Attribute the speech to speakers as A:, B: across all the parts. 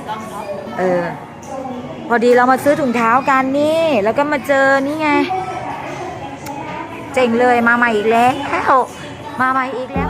A: พอดีเรามาซื้อถุงเท้ากันนี่แล้วก็มาเจอนี่ไงเจ๋งเลยมาใหม่อีกแล้วมาใหม่อีกแล้ว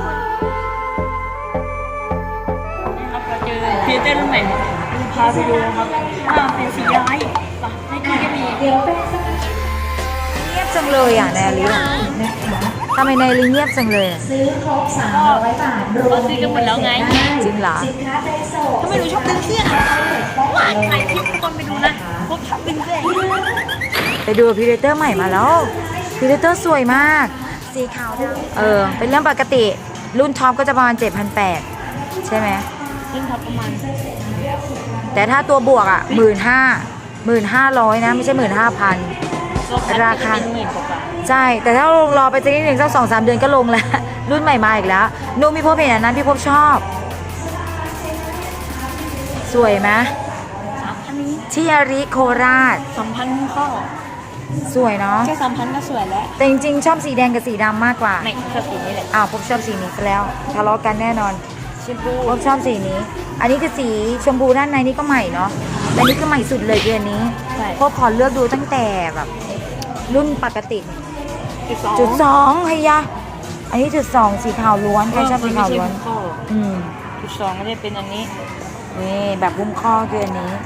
B: ครับเราเจอพรีเซนเตอร์รุ่นใหม่พาไปดูนะครับเป็นสีร้ายในนี้ก็มี
A: เงียบจังเลยอ่ะแนลิทำไมแนลิเงียบจังเลย
C: ซื้อครบ300 บาทรวม
B: ซื้อกันหมดแล้วไง
A: จริงเหรอ
C: สินค้าใจโสด
B: ทำไมหนูชอบดึงเสื้อว่าถ่ายคลิปทุกคนไปดูนะพวกชอบดึงเสื้อ
A: ไปดูพรีเดเตอร์ใหม่มาแล้วพรีเดเตอร์สวยมากสีขาวเป็นเรื่องปกติรุ่นท็อปก็จะประมาณ 7,800 ใช่ไหม
B: รุ่นท็อปประมาณ
A: แต่ถ้าตัวบวกอ่ะ 15,500 นะไม่ใช่ 15,000 ราคาใช่แต่ถ้ารอไปสักนิดหนึ่งสัก 2-3 เดือนก็ลงแล้วรุ่นใหม่มาอีกแล้วนูมีพบเห็นอันนั้นพี่พบชอบสวยไหมที่อาริโคราช
B: 3,000 ข้อ
A: สวยเนาะ
B: แค่ 3,000 ก็สวยแล้ว
A: แต่จริงๆชอบสีแดงกับสีดำมากกว่า
B: ไม่ชอบสีนี้แหละ
A: พบชอบสีนี้ซะแล้วทะเลาะกันแน่นอน
B: ชมพู
A: พบชอบสีนี้อันนี้คือสีชมพูด้านในนี่ก็ใหม่เนาะแต่นี่คือใหม่สุดเลยเดือนนี้พบขอเลือกดูตั้งแต่แบบรุ่นปกติจุด 2เฮียอันนี้จุด 2สีขาวล้วนใครชอบสีขาวล้วน
B: จุด 2ไม่ได้เป็นอันนี้
A: นี่แบบหุ้มข้อคืออันนี้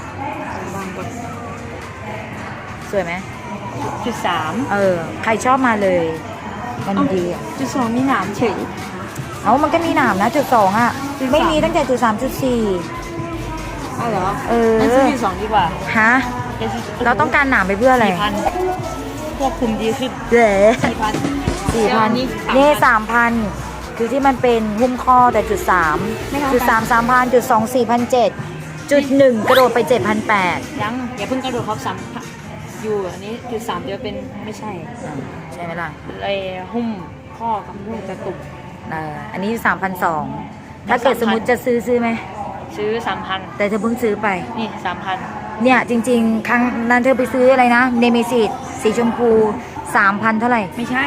A: สวยไหม
B: จุด 3
A: ใครชอบมาเลยมันดี
B: จุด 2มีหนามเฉย
A: มันก็มีหนามนะจุด 2อ่ะไม่มีตั้งแต่จุด 3 จุด 4
B: เหรองั้นซื้อจุด 2ดีกว่า
A: ฮะเราต้องการหนามไปเพื่ออะไร
B: 4,000ควบคุมดีขึ้น
A: 4,000นี่ 3,000 คือที่มันเป็นหุ้มข้อแต่จุด 3 จุด 3 3,000 จุด 2 4,700 จุด 1กระโดดไป 7,800
B: ยังอย่าเพิ่งกระโดดครับอยู่อันนี้จุด 3เดี๋ยวเป็นไม่ใช่
A: ไหมล่ะ
B: เลยหุ้มข้อกับหุ้มกระตุก
A: อันนี้ 3,200 ถ้าเกิดสมมติจะซื้อไหม
B: ซื้อ 3,000
A: แต่เธอเพิ่งซื้อไป
B: นี่ 3,000
A: เนี่ยจริงๆครั้งนั้นเธอไปซื้ออะไรนะเนเมซิสสีชมพู 3,000 เท่าไหร่
B: ไม่ใช่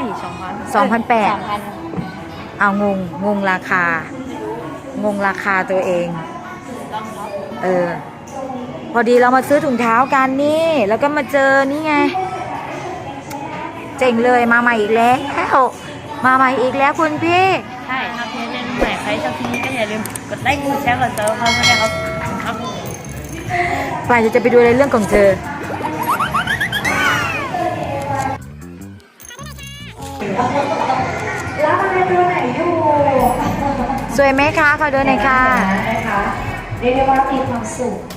A: 2,800งงราคาตัวเองพอดีเรามาซื้อถุงเท้ากันนี่แล้วก็มาเจอนี่ไงเจ๋งเลยมาใหม่อีกแล้วมาใหม่อีกแล้วคุณพี่
B: ใช่ครับพี่เล่นใหม่ใครชอบที่นี้ก็อย่าลืมกดไลค์กดแชร์กดเซิร์ฟเขาไม่ได้ครับ
A: ฝ่ายจะไปดูในเรื่องของเธอ
C: แล้วอะไรตัวไหนอยู่
A: สวยไหมคะขอดูหน่อยค่ะ
C: เรียกได้ว่ามีความสุข